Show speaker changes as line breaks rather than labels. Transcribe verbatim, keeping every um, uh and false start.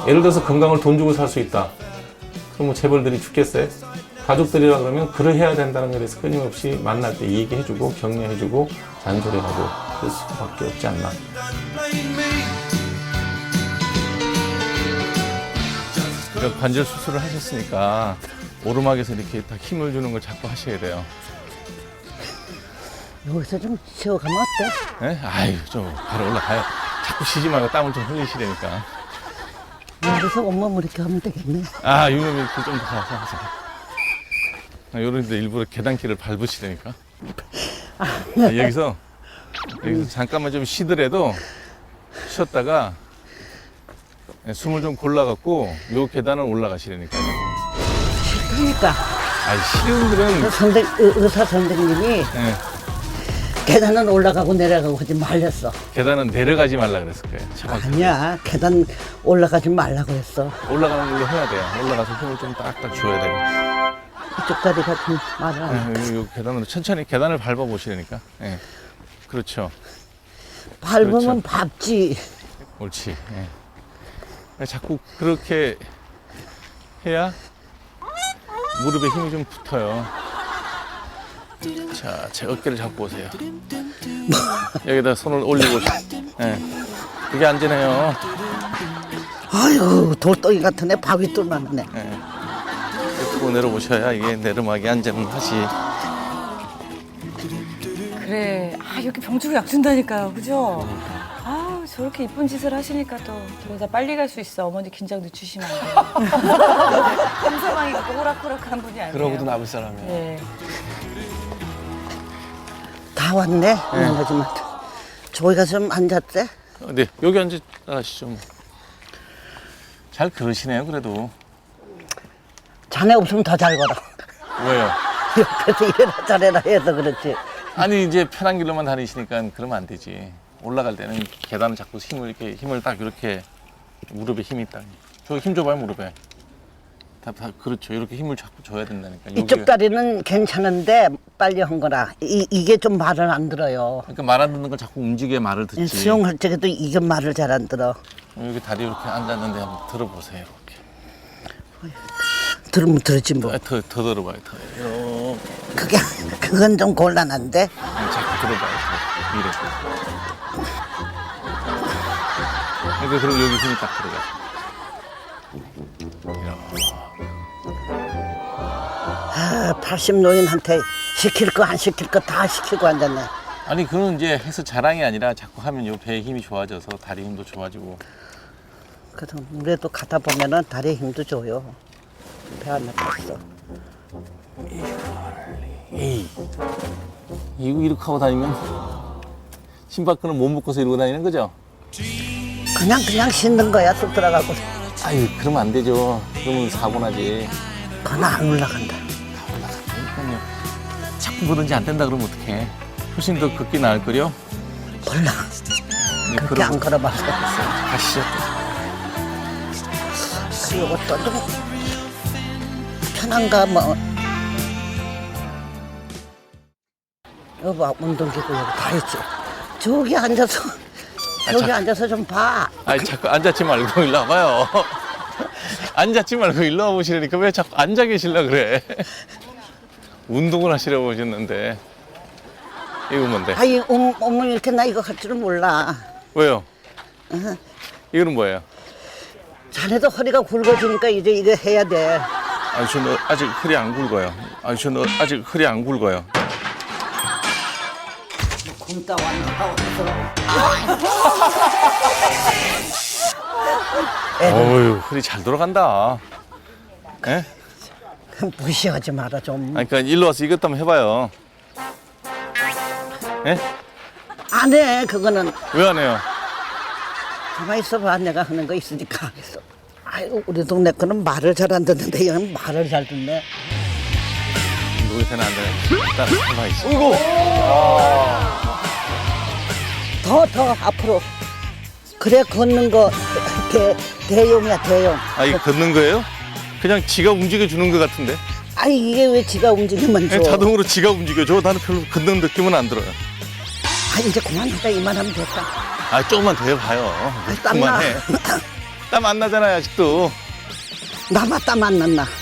예를 들어서 건강을 돈 주고 살 수 있다. 그럼 뭐 재벌들이 죽겠어요? 가족들이라 그러면 그래 해야 된다는 것에 대해서 끊임없이 만날 때 얘기해주고 격려해주고 잔소리하고 그럴 수밖에 없지 않나. 관절 수술을 하셨으니까 오르막에서 이렇게 딱 힘을 주는 걸 자꾸 하셔야 돼요.
여기서 좀 쉬어가면 어때?
네? 아유, 좀 바로 올라가요. 자꾸 쉬지 말고 땀을 좀 흘리시라니까.
여기서 온몸 이렇게 하면 되겠네.
아, 유명이 이렇게 좀 더 가서 하세요. 아, 요런데 일부러 계단길을 밟으시라니까. 아, 여기서, 여기서 잠깐만 좀 쉬더라도 쉬었다가 숨을 좀 골라갖고 요 계단을 올라가시라니까요.
그러니까
아니, 싫은 분들은.
선생, 의- 의사 선생님이
네,
계단은 올라가고 내려가고 하지 말랬어.
계단은 내려가지 말라 그랬을 거예요. 차박에서.
아니야, 계단 올라가지 말라고 했어.
올라가는 걸로 해야 돼요. 올라가서 힘을 좀 딱딱 줘야 돼요.
이쪽 다리가 좀 말을 안 해.
네, 요, 요 계단으로 천천히 계단을 밟아보시라니까. 네. 그렇죠.
밟으면
그렇죠.
밟지.
옳지. 예. 자꾸 그렇게 해야 무릎에 힘이 좀 붙어요. 자, 제 어깨를 잡고 오세요. 여기다 손을 올리고. 예. 그게 안전해요.
아이고, 돌덩이 같은 애 바위 뚫만 하네.
예. 고 내려오셔야 이게 내리막이 안전하지.
그래. 아, 이렇게 병 주고 약 준다니까요. 그죠? 아, 저렇게 이쁜 짓을 하시니까 또 저러다 빨리 갈 수 있어. 어머니 긴장 늦추시면 안 돼요. 함사방이 그렇게 호락호락한 분이 아니에요.
그러고도 남을 사람이야.
네.
다 왔네. 하지만 저기가 좀 앉았대.
네, 여기 앉으시죠. 뭐. 잘 그러시네요, 그래도.
자네 없으면 더 잘 걸어.
왜요?
옆에서 이래라 저래라 해서 그렇지.
아니, 이제 편한 길로만 다니시니까 그러면 안 되지. 올라갈 때는 계단을 자꾸 힘을 이렇게 힘을 딱 이렇게 무릎에 힘이 딱. 저 힘 줘봐요, 무릎에. 다, 다 그렇죠. 이렇게 힘을 자꾸 줘야 된다니까.
이쪽
여기가-
다리는 괜찮은데 빨리 한 거라. 이, 이게 좀 말을 안 들어요.
그러니까 말 안 듣는 걸 자꾸 움직여야 말을 듣지.
수영할 적에도 이게 말을 잘 안 들어.
여기 다리 이렇게 앉았는데 한번 들어보세요. 이렇게.
들으면 들었지 뭐.
아, 더, 더 들어봐요. 더. 이렇게.
그게 그건 좀 곤란한데.
아니, 자꾸 들어봐요. 더. 이렇게. 그러니까 그럼 여기 힘이 딱 들어가요.
아, 팔십 노인한테 시킬 거 안 시킬 거 다 시키고 앉았네.
아니, 그건 이제 해서 자랑이 아니라 자꾸 하면 요 배에 힘이 좋아져서 다리 힘도 좋아지고.
그래서 물에도 가다 보면은 다리에 힘도 줘요. 배 안 아팠어.
에이, 이거 이렇게 하고 다니면 신발끈을 못 묶어서 이러고 다니는 거죠?
그냥 그냥 씻는 거야 쑥 들어가고.
아유, 그러면 안 되죠. 그러면 사고 나지.
그건 안 올라간다.
그러니까요. 자꾸 그런지 안 된다 그러면 어떡해. 훨씬 더 걷기 나을 거요.
몰라. 그렇게 안 걸어봐서.
가시죠.
그리고 또 좀 편한가 뭐. 여보 운동기구 여기 다 있지. 저기 앉아서 저기
자-
앉아서 좀 봐.
아니, 자꾸 앉았지 말고 일로 와봐요. 앉았지 말고 일로 와보시라니까 왜 자꾸 앉아 계시려 그래. 운동을 하시려고 오셨는데. 이거 뭔데?
아이 음, 어머니 이렇게 나 이거 할 줄은 몰라.
왜요? 이거는 뭐예요?
자네도 허리가 굵어지니까 이제 이거 해야 돼.
아니, 저는 아직 허리 안 굵어요. 아니, 저는 아직 허리 안 굵어요.
굶다 왔나 와서.
어휴, 허리 잘 돌아간다. 예?
무시하지 마라 좀.
아니, 그러니까 일로 와서 이것도 한번 해봐요. 예?
안 해 그거는.
왜 안 해요?
가만히 있어봐. 내가 하는 거 있으니까 하겠어. 아이고 우리 동네 거는 말을 잘 안 듣는데 얘는 말을 잘 듣네.
누구한테는 안 돼요. 따라 가만히 있어.
더 더 앞으로. 그래 걷는 거 대, 대용이야 대용.
아, 이거 걷는 거예요? 그냥 지가 움직여주는 것 같은데?
아니 이게 왜 지가 움직이면 줘.
그냥 자동으로 지가 움직여줘. 나는 별로 걷는 느낌은 안 들어요.
아 이제 그만하자 이만하면 됐다.
아, 조금만 더 해봐요.
땀나.
그만해. 땀 안 나잖아요, 아직도.
나만 땀 안 났나?